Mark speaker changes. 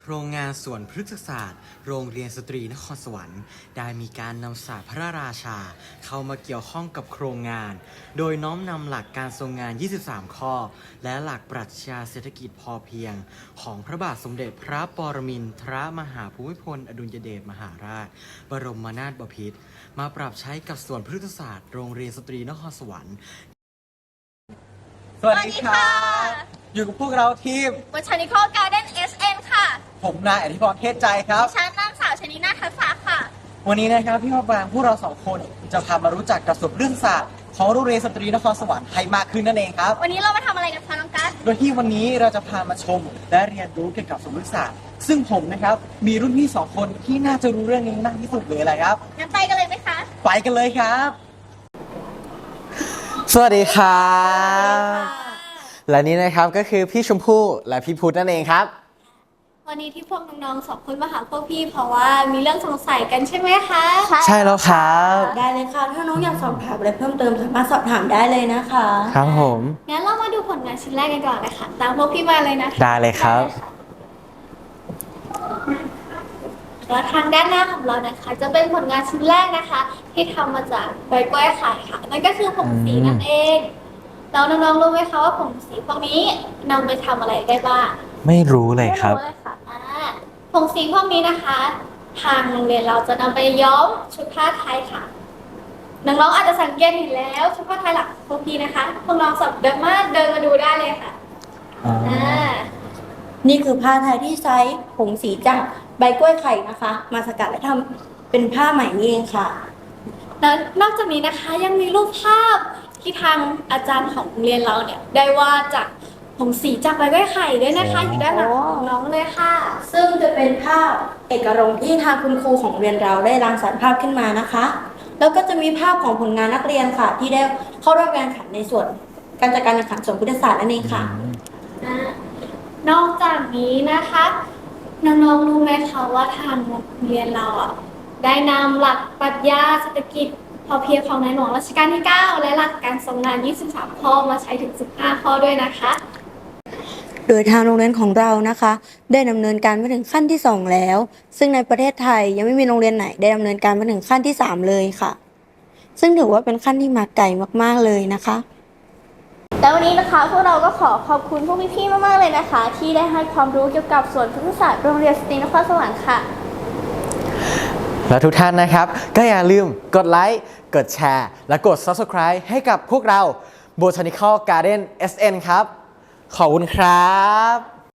Speaker 1: โรงงานสวนพฤกษศาสตร์โรงเรียนสตรีนครสวรรค์ได้มีการนำศาสตร์พระราชาเข้ามาเกี่ยวข้องกับโครงงานโดยน้อมนำหลักการทรงงาน 23 ข้อและหลักปรัชญาเศรษฐกิจพอเพียงของพระบาทสมเด็จพระปรมินทรมหาภูมิพลอดุลยเดชมหาราชบรมนาถบพิตรมาปรับใช้กับสวนพฤกษศาสตร์โรงเรียนสตรีนครสวรรค์
Speaker 2: สวัสดีค่ะ อยู่กับพวกเราทีม
Speaker 3: บชานิคอลการ์เด้น SN ค่ะ
Speaker 2: ผมนายอธิพรเทศใจครับ
Speaker 3: ดิฉันนางสาวชนินาทัศน์ค่ะ
Speaker 2: วันนี้นะครับพี่พ่อบางพวกเราสองคนจะพามารู้จักกับสุดเรื่องศาสตร์ของโรงเรียนสตรีนครสวรรค์ให้มากขึ้นนั่นเองครับ
Speaker 3: วันนี้เรามาทำอะไรกันคะน้องกัส
Speaker 2: โดยที่วันนี้เราจะพามาชมและเรียนรู้เกี่ยวกับสมมติศาสตร์ซึ่งผมนะครับมีรุ่นพี่สองคนที่น่าจะรู้เรื่องนี้มากที่สุดเลยอะไรครับ
Speaker 3: งั้นไปกันเลยไหมคะ
Speaker 2: ไปกันเลยครับ สวัสดีครับ และนี่นะครับก็คือพี่ชมพู่และพี่พุทธนั่นเองครับ
Speaker 3: วันนี้ที่พวกน้องๆสองคนมาหาพวกพี่เพราะว่ามีเรื่องสงสัยกันใช่ไหมคะ
Speaker 2: ใช่แล้วครับ
Speaker 4: ได้เลยค่ะ ถ้าน้องอยากสอบถามอะไรเพิ่มเติมสามารถสอบถามได้เลยนะคะ
Speaker 2: ครับผม
Speaker 3: งั้นเรามาดูผลงานชิ้นแรกกันก่อนนะคะตามพวกพี่มาเลยนะคะ
Speaker 2: ได้เลยครับ
Speaker 3: แล้วทางด้านหน้าของเรานะคะ จะเป็นผลงานชิ้นแรกนะคะ ที่ทำมาจากใบกล้วยไข่ค่ะนั่นก็คือผงสีนั่นเองแล้วน้องๆรู้ไหมคะว่าผงสีพวกนี้นำไปทำอะไรได้บ้าง
Speaker 2: ไม่รู้เลยครับ
Speaker 3: ไม่เลยค่ะผงสีพวกนี้นะคะ ทางโรงเรียนเราจะนำไปย้อมชุดผ้าไทยค่ะน้องๆอาจจะสังเกตเห็นแล้วชุดผ้าไทยหลักพวกพี่นะคะพวกน้องสามารถเดินมาดูได้เลยค่ะ
Speaker 2: อ๋อ
Speaker 4: นี่คือผ้าไทยที่ใช้ผงสีจากใบกล้วยไข่นะคะ มาสกัดและทำเป็นผ้าไหมนี่เองค่ะ
Speaker 3: แล้วนอกจากนี้นะคะยังมีรูปภาพที่ทางอาจารย์ของโรงเรียนเราเนี่ยได้วาดจากผงสีจากใบกล้วยไข่ด้วยนะคะอยู่ด้านหลังของน้องเลยค่ะ
Speaker 4: ซึ่งจะเป็นภาพเอกรงค์ที่ทางคุณครูของโรงเรียนเราได้รังสรรค์ภาพขึ้นมานะคะ แล้วก็จะมีภาพของผลงานนักเรียนค่ะ ที่ได้เข้าร่วมการแข่งขันในส่วนการจัดการแข่งขันส่วนพุทธศาสตร์นั่นเองค่ะ
Speaker 3: นอกจากนี้นะคะน้องๆรู้ไหมคะว่าทางโรงเรียนเราอ่ะได้นำหลักปรัชญาเศรษฐกิจพอเพียงของในหลวงรัชกาลที่ 9 และหลักการทรงงาน 23 ข้อมาใช้ถึง 15 ข้อด้วยนะคะ
Speaker 4: โดยทางโรงเรียนของเรานะคะ ได้ดำเนินการมาถึงขั้นที่ 2 แล้ว ซึ่งในประเทศไทยยังไม่มีโรงเรียนไหนได้ดำเนินการมาถึงขั้นที่ 3 เลยค่ะ ซึ่งถือว่าเป็นขั้นที่มาไกลมากๆเลยนะคะ
Speaker 3: แล้ววันนี้นะคะพวกเราก็ขอขอบคุณพวกพี่ๆมากๆเลยนะคะ ที่ได้ให้ความรู้เกี่ยวกับสวนพฤกษศาสตร์โรงเรียนสตรีนครสวรรค์ค่ะ
Speaker 2: และทุกท่านนะครับ ก็อย่าลืมกดไลค์ กดแชร์ และกด Subscribe ให้กับพวกเรา Botanical Garden SN ครับ ขอบคุณครับ